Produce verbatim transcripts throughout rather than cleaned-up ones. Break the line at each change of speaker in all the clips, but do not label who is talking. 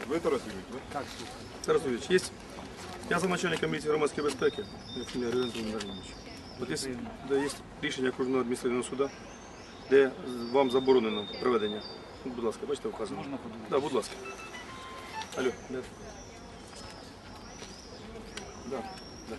Ви Тарас Юрійович, так?
Так,
Тарас Юрійович, є? Я за начальником міліції громадської безпеки, фамілія Григоренко Володимирович. От є, де є рішення кожного адміністративного суду, де вам заборонено проведення. Ну, будь ласка, бачите, вказано.
можна подивитися?
Так, будь ласка. Алло, де? Да, да.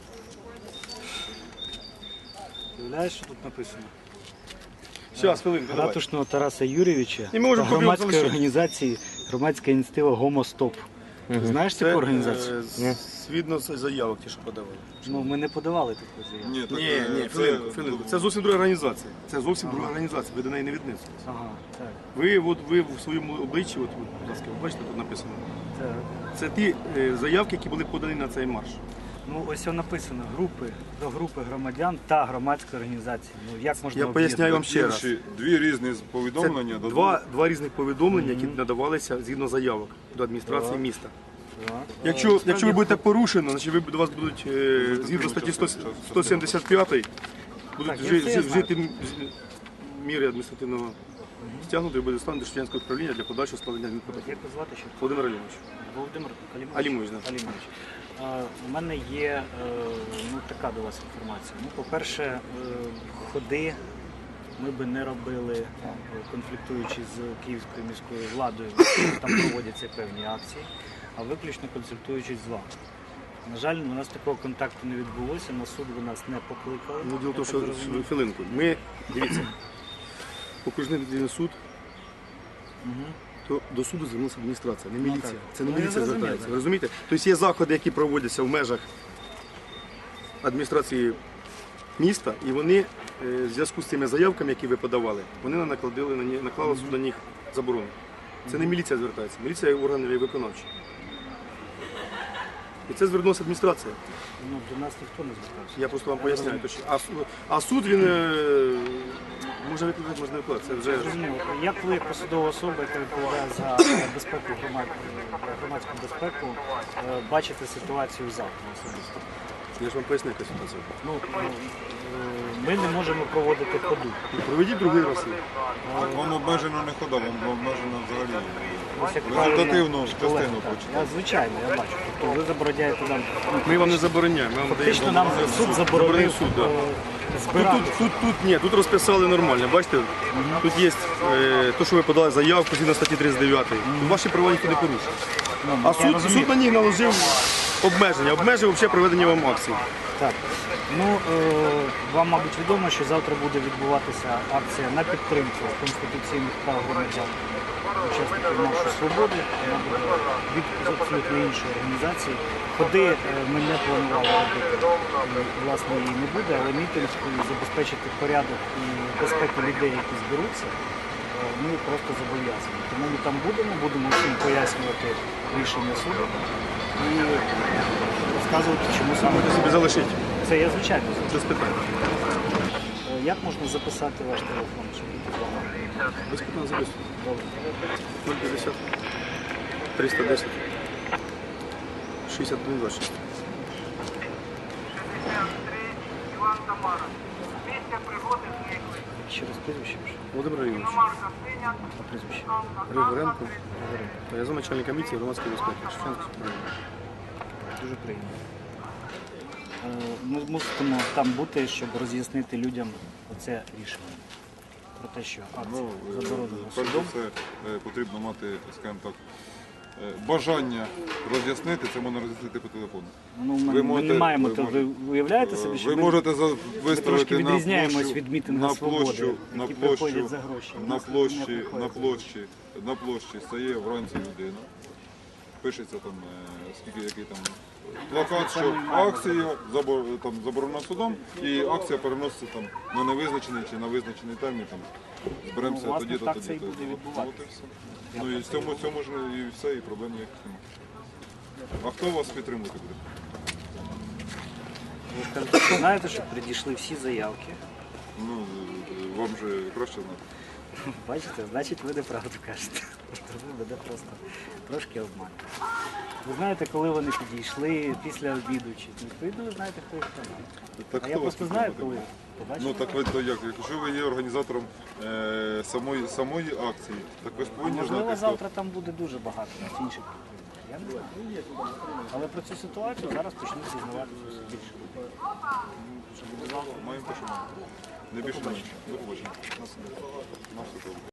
Уявляєш, що тут написано?
Зараз, хвилинку, давай.
Ратушного Тараса Юрійовича
І ми можемо
та громадської
залишити.
організації, громадська ініціатива «Гомостоп». Ти знаєш таку організацію?
е, згідно з заявок, ті, що подавали.
Ну, ми не подавали таку заяву.
Ні, так,
Ні,
е,
ні,
це-
хвилинку, хвилинку. Це зовсім друга організація. Це зовсім друга організація, ви до неї не віднесетесь.
Ага, так.
Ви, от, ви в своєму обличчі, от, от, будь ласка, ви бачите, тут написано.
так.
Це ті е, заявки, які були подані на цей марш.
Ну, ось воно написано групи, до групи громадян та громадської організації. Ну, як можна
Я поясняю вам ще раз.
Інші дві різні
Це
повідомлення. до
два, два різних повідомлення, які надавалися згідно заявок до адміністрації
Так.
міста.
Так.
Якщо,
Е,
якщо ви
справді,
будете порушено, значить ви, до вас будуть е, згідно статті сто сімдесят п'ять будуть
Так, я
жи-
це
жи-
знаю.
вжити м- з- міри адміністративного стягнути і буде стан до Шевченського управління для подальшого складення адмінпротоколу.
Як вас звати ще?
Володимир Алімович.
Володимир Алімович.
Алімович, да.
Алімович. Е, У мене є е, ну, така до вас інформація. Ну, по-перше, е, ходи ми би не робили, е, конфліктуючи з Київською міською владою, там проводяться певні акції, а виключно консультуючись з вами. На жаль, у нас такого контакту не відбулося, на суд ви нас не покликали.
Ну, діло в тому,
я так
що
зрозумів.
хвилинку. Ми, дивіться, окружний адміністративний суд,
Мгм.
то до суду звернулася адміністрація, не
Ну,
міліція.
так.
Це не
Ну, я
міліція
зрозумів,
звертається.
так.
Ви розумієте? Тобто є заходи, які проводяться в межах адміністрації міста, і вони е, в зв'язку з цими заявками, які ви подавали, вони накладили на ні- наклали суд на них заборону. Це не міліція звертається, міліція є органи виконавчі. І це звернулася адміністрація.
Ну, до нас ніхто не звертався.
Я просто вам поясняю. точно. А, су- а суд він е, може викликати, може не викликати. Це вже
Зрозуміло. Як ви, як посадова особа, яка відповідає за безпеку громад... громадську безпеку, е, бачите ситуацію завтра особисто?
я ж вам поясню, яка ситуація.
Ну, е, ми не можемо проводити ходу.
Проведіть другий раз.
Вам обмежено не хода, вам обмежено взагалі
Ось як
результативну
правильно
частину
колега, так.
хочете.
Я, звичайно, я бачу. Тобто ви забороняєте нам.
Ми вам не забороняємо. Ми вам
Фактично
даємо.
нам суд заборонив
Заборонив суд, да.
е,
Тут,
збирати.
тут, тут, тут, ні, тут розписали нормально. Бачите, тут є е, те, що ви подали заявку згідно статті тридцять дев'ять. Тут ваші права ніхто не порушує.
Ну,
А
я
суд,
розумію.
суд на них наложив обмеження, обмежив взагалі проведення вам акцій.
Так. Ну, е, вам, мабуть, відомо, що завтра буде відбуватися акція на підтримку конституційних прав громадян, учасників маршу свободи. Вона буде від абсолютно іншої організації. Ходи е, ми не планували робити, е, власне, її не буде, але мітинг і забезпечити порядок і безпеку людей, які зберуться, е, ми просто зобов'язані. Тому ми там будемо, будемо всім пояснювати рішення суду і розказувати, чому саме
Можете собі залишити.
це я звичайно.
Без питань.
Е, Як можна записати ваш телефон, щоб бути з вами?
Без питань записуйте.
Добре.
нуль п'ятдесят триста десять шістдесят один двадцять шість.
Ще раз прізвище вже.
Володимир Алімович.
А прізвище?
Григоренко. Я за начальника міліції громадської безпеки. Шевченківського управління.
Дуже приємно. Е, Ми мусимо там бути, щоб роз'яснити людям оце рішення. Про те, що акція
Ну, е,
заборонена
перш за
судом.
все е, потрібно мати, скажімо так, е, бажання роз'яснити, це можна роз'яснити по телефону.
Ну, ми,
ви
ми
можете-
не маємо,
ви
то ви
можете-
уявляєте собі, що
Ви
ми
можете за-
трошки
виставити на
відрізняємось
площу,
від мітингу
на
«Свободи»,
площу, на
які
площу,
приходять за гроші. У
на
нас не
площі,
приходять
на
за
площі, на площі стає вранці людина. Пишеться там, е, скільки який там плакат, що акція забор- там, заборонена судом, і акція переноситься там на невизначений чи на визначений термін. Там зберемося
Ну, власне,
тоді-то,
так
тоді.
це і буде відбуватися.
От і все. Ну і в цьому, цьому ж і все, і проблем ніяких немає. А хто вас підтримувати буде?
Ви кажете, що знаєте, що придійшли всі заявки.
Ну, вам же краще знати.
Бачите, значить ви неправду кажете. Ви мене просто трошки обманюєте. Ви знаєте, коли вони підійшли, після обіду чи відповідно, ви знаєте, хто їх канал.
Так
А
хто
я
вас
просто знаю,
підтримує?
коли побачили.
Ну так ви то як? Якщо ви є організатором е, самої, самої акції, так ви ж повинні
Можливо,
знати, хто.
завтра там буде дуже багато інших підприємств. Я не знаю. Але про цю ситуацію зараз почнуть дізнаватися все більше.
Маємо те, що маємо. Не більше не менше. До побачення. На все добре.